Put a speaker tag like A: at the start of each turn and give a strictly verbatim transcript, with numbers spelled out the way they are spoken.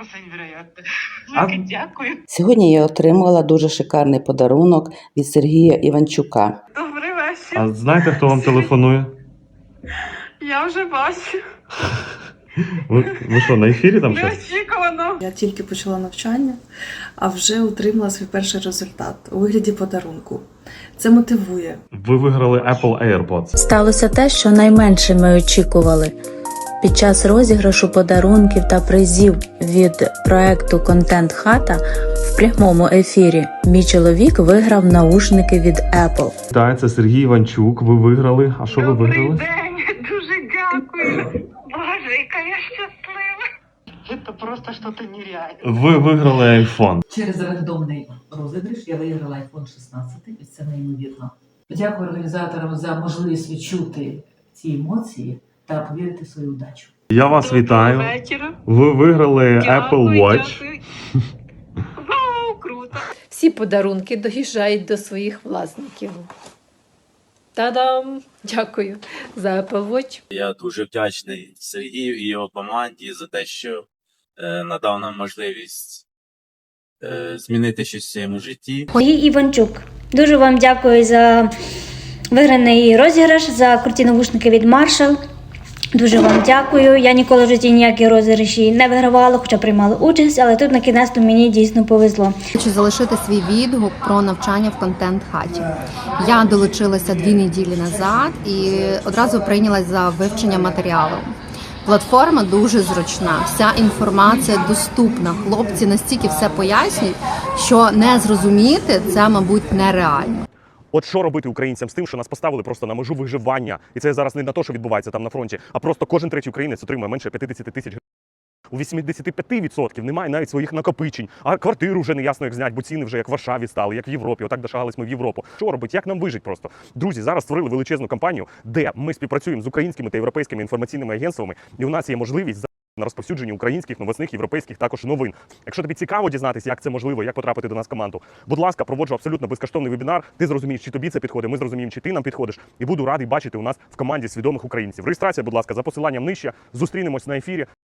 A: просто невероятно.
B: А-
A: Велике дякую.
C: Сьогодні я отримала дуже шикарний подарунок від Сергія Іванчука.
A: Добрий вечір.
B: А знаєте, хто вам телефонує?
A: Я вже бачу.
B: Ви, ви що, на ефірі там щось?
A: Неочікувано.
D: Я тільки почала навчання, а вже отримала свій перший результат у вигляді подарунку. Це мотивує.
B: Ви виграли Apple AirPods.
E: Сталося те, що найменше ми очікували. Під час розіграшу подарунків та призів від проекту «Контент Хата» в прямому ефірі мій чоловік виграв наушники від Apple.
B: Так, це Сергій Іванчук. Ви виграли. А що ви
A: Добрий
B: виграли?
A: день. Дуже дякую. Боже, яка я щаслива. Це просто щось нереальне.
B: Ви виграли iPhone.
F: Через рандомний розіграш я виграла айфон шістнадцять, і це неймовірно. Дякую організаторам за можливість відчути ці емоції та повірити в свою удачу.
B: Я вас вітаю.
A: Доброго вечора.
B: Ви виграли Apple
A: Дякую,
B: Watch.
A: дякую. Вау, круто.
G: Всі подарунки доїжджають до своїх власників. Та-дам! Дякую за Apple Watch.
H: Я дуже вдячний Сергію і його команді за те, що е, надав нам можливість е, змінити щось в своєму житті.
I: Сергій Іванчук. Дуже вам дякую за виграний розіграш, за круті навушники від Marshall. Дуже вам дякую. Я ніколи в житті ніякі розіграші не вигравала, хоча приймала участь, але тут на кінець мені дійсно повезло.
J: Хочу залишити свій відгук про навчання в контент-хаті. Я долучилася дві неділі назад і одразу прийнялась за вивчення матеріалу. Платформа дуже зручна, вся інформація доступна. Хлопці настільки все пояснюють, що не зрозуміти це, мабуть, нереально.
K: От що робити українцям з тим, що нас поставили просто на межу виживання? І це зараз не на те, що відбувається там на фронті, а просто кожен третій українець отримує менше п'ятдесят тисяч гривень. У вісімдесят п'ять відсотків немає навіть своїх накопичень, а квартиру вже не ясно як зняти, бо ціни вже як в Варшаві стали, як в Європі. Отак дошагались ми в Європу. Що робити? Як нам вижити просто? Друзі, зараз створили величезну кампанію, де ми співпрацюємо з українськими та європейськими інформаційними агентствами, і у нас є можливість на розповсюдженні українських, новосних, європейських також новин. Якщо тобі цікаво дізнатися, як це можливо, як потрапити до нас в команду, будь ласка, проводжу абсолютно безкоштовний вебінар. Ти зрозумієш, чи тобі це підходить, ми зрозуміємо, чи ти нам підходиш. І буду радий бачити у нас в команді свідомих українців. Реєстрація, будь ласка, за посиланням нижче. Зустрінемось на ефірі.